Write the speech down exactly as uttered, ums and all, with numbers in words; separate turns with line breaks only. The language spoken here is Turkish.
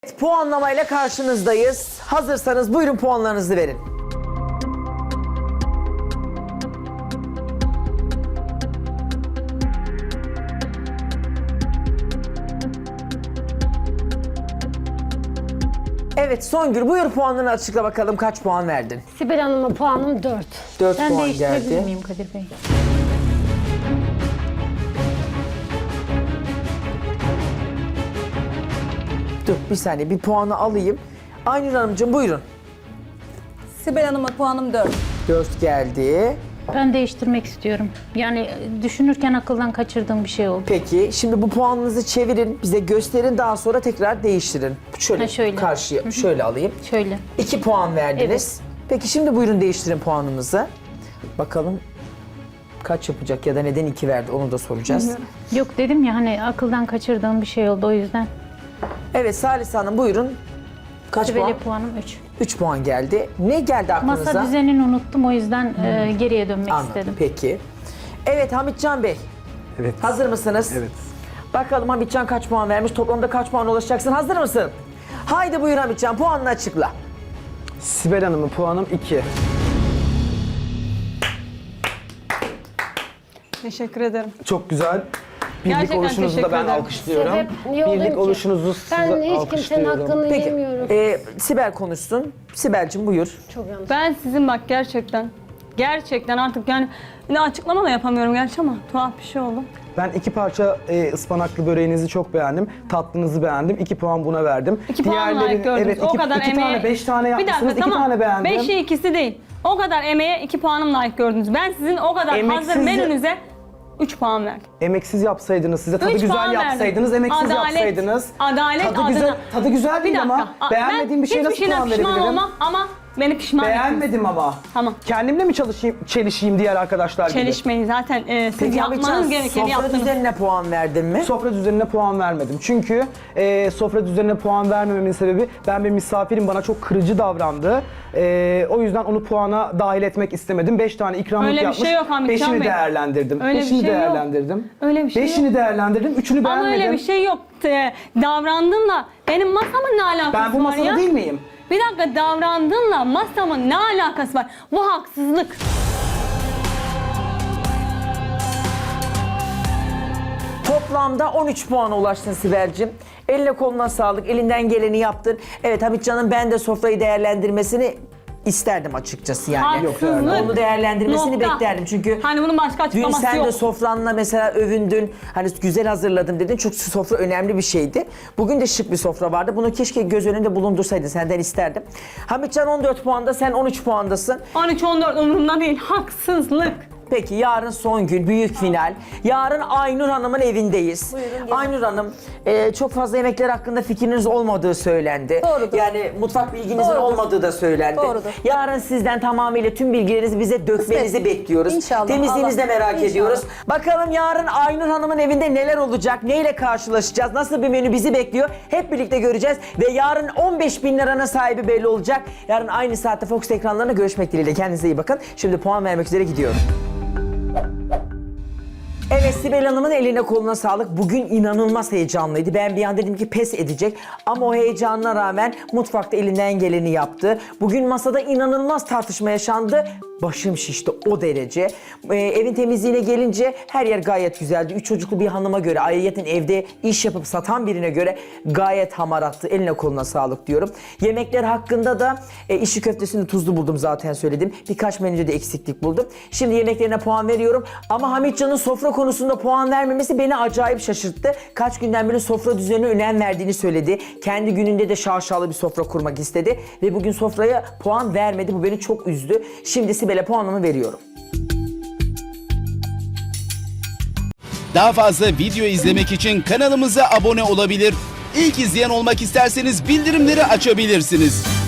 Puanlamayla karşınızdayız. Hazırsanız buyurun puanlarınızı verin. Evet Songül buyur puanlarını açıkla bakalım kaç puan verdin?
Sibel Hanım'a puanım dört.
dört
Ben
puan
değiştirebilir
geldi.
miyim Kadir Bey?
Dur bir saniye bir puanı alayım. Aynur Hanımcığım buyurun.
Sibel Hanım'a puanım dört.
dört geldi.
Ben değiştirmek istiyorum. Yani düşünürken akıldan kaçırdığım bir şey oldu.
Peki şimdi bu puanınızı çevirin, bize gösterin daha sonra tekrar değiştirin. Şöyle,
Ha, şöyle.
karşıya şöyle alayım.
Şöyle.
iki puan verdiniz. Peki şimdi buyurun değiştirin puanımızı. Bakalım kaç yapacak ya da neden iki verdi onu da soracağız.
Yok dedim ya hani akıldan kaçırdığım bir şey oldu o yüzden.
Evet Salih Hanım buyurun. Kaç
Sibel'e
puan?
puanım üç.
üç puan geldi. Ne geldi aklınıza?
Masa düzenini unuttum o yüzden e, geriye dönmek
Anladım.
istedim.
Peki. Evet Hamitcan Bey.
Evet.
Hazır mısınız?
Evet.
Bakalım Hamitcan kaç puan vermiş? Toplamda kaç puan ulaşacaksın? Hazır mısın? Haydi buyur Hamitcan puanını açıkla.
Sibel Hanım'ın puanım iki.
Teşekkür ederim.
Çok güzel. Birlik
Gerçekten
oluşunuzu da
teşekkür
ben
ederim.
alkışlıyorum.
Sebep niye olayım
Birlik
ki?
oluşunuzu size
Ben hiç kimsenin
alkışlıyorum.
hakkını
Peki
yemiyorum.
e, Sibel konuşsun. Sibel'cim buyur.
Çok yanlış.
Ben sizin bak gerçekten, gerçekten artık yani ne açıklama da yapamıyorum gerçi ama tuhaf bir şey oldu.
Ben iki parça e, ıspanaklı böreğinizi çok beğendim. Tatlınızı beğendim. İki puan buna verdim.
İki puan layık gördünüz.
Evet,
o
iki,
kadar
iki
emeğe...
tane, beş tane yapmışsınız.
Bir dakika,
iki
tamam.
tane beğendim.
Beşi ikisi değil. O kadar emeğe iki puanım layık gördünüz. Ben sizin o kadar
Emeksiz
hazır
de-
menünüze üç puan verdim.
Emeksiz yapsaydınız, size tadı
Üç
güzel
puan verdim.
yapsaydınız, emeksiz
Adalet,
yapsaydınız.
adalet
tadı
adına.
güzel, tadı güzel
Bir
değil
dakika.
ama
a-
beğenmediğim bir şeye
ben
nasıl
hiçbir şeyden
puan
pişman
verebilirim?
olmam ama beni pişman ettiniz.
Beğenmedim ama.
Tamam.
Kendimle mi çalışayım, çelişeyim diğer arkadaşlar gibi?
Çelişmeyin zaten e, siz
Peki
yapmanız
Hamitcan
gerekeni
sofra
yaptınız.
düzenine puan verdin mi?
Sofra düzenine puan vermedim. Çünkü e, sofra düzenine puan vermememin sebebi ben bir misafirim bana çok kırıcı davrandı. E, o yüzden onu puana dahil etmek istemedim. Beş tane ikramlık
Öyle bir
yapmış.
şey yok Hamitcan
Beşini
Bey.
değerlendirdim.
Öyle bir
Beşini
şey yok.
değerlendirdim.
Öyle bir şey
Beşini
yok.
değerlendirdim. Üçünü
Ama
beğenmedim.
öyle bir şey yok. E, davrandığınla benim masamın ne alakası
Ben bu
var
masada
ya?
değil miyim?
Bir dakika davrandığınla masamın ne alakası var? Bu haksızlık.
Toplamda on üç puana ulaştın Sibel'cim. Eline koluna sağlık, elinden geleni yaptın. Evet Hamitcan'ın ben de sofrayı değerlendirmesini isterdim açıkçası yani.
Haksızlık.
Onu değerlendirmesini
Nokta.
beklerdim çünkü
Hani bunun başka
dün
açıklaması
sen
yok.
de sofranla mesela övündün. Hani güzel hazırladım dedin. Çok sofra önemli bir şeydi. Bugün de şık bir sofra vardı. Bunu keşke göz önünde bulundursaydın. Senden isterdim. Hamitcan on dört puanda, sen on üç puandasın.
on üç on dört umurumda değil. Haksızlık.
Peki yarın son gün, büyük final. Yarın Aynur Hanım'ın evindeyiz. Aynur Hanım, e, çok fazla yemekler hakkında fikriniz olmadığı söylendi.
Doğrudur.
Yani mutfak bilginizin
Doğrudur.
olmadığı da söylendi.
Doğrudur.
Yarın sizden tamamıyla tüm bilgilerinizi bize dökmenizi
Kısmet.
bekliyoruz.
İnşallah.
Temizliğinizi de
Allah-
merak
İnşallah.
ediyoruz. Bakalım yarın Aynur Hanım'ın evinde neler olacak, neyle karşılaşacağız, nasıl bir menü bizi bekliyor hep birlikte göreceğiz. Ve yarın on beş bin liranın sahibi belli olacak. Yarın aynı saatte Fox ekranlarına görüşmek dileğiyle. Kendinize iyi bakın. Şimdi puan vermek üzere gidiyorum. Evet Sibel Hanım'ın eline koluna sağlık. Bugün inanılmaz heyecanlıydı. Ben bir an dedim ki pes edecek. Ama o heyecanına rağmen mutfakta elinden geleni yaptı. Bugün masada inanılmaz tartışma yaşandı. Başım şişti o derece. Ee, evin temizliğine gelince her yer gayet güzeldi. Üç çocuklu bir hanıma göre, ayrıyeten evde iş yapıp satan birine göre gayet hamarattı. Eline koluna sağlık diyorum. Yemekler hakkında da e, işi köftesini tuzlu buldum zaten söyledim. Birkaç menüde de eksiklik buldum. Şimdi yemeklerine puan veriyorum. Ama Hamitcan'ın sofra konusunda puan vermemesi beni acayip şaşırttı. Kaç günden beri sofra düzenine önem verdiğini söyledi. Kendi gününde de şaşalı bir sofra kurmak istedi. Ve bugün sofraya puan vermedi. Bu beni çok üzdü. Şimdi Sibel'e puanımı veriyorum.
Daha fazla video izlemek için kanalımıza abone olabilir. İlk izleyen olmak isterseniz bildirimleri açabilirsiniz.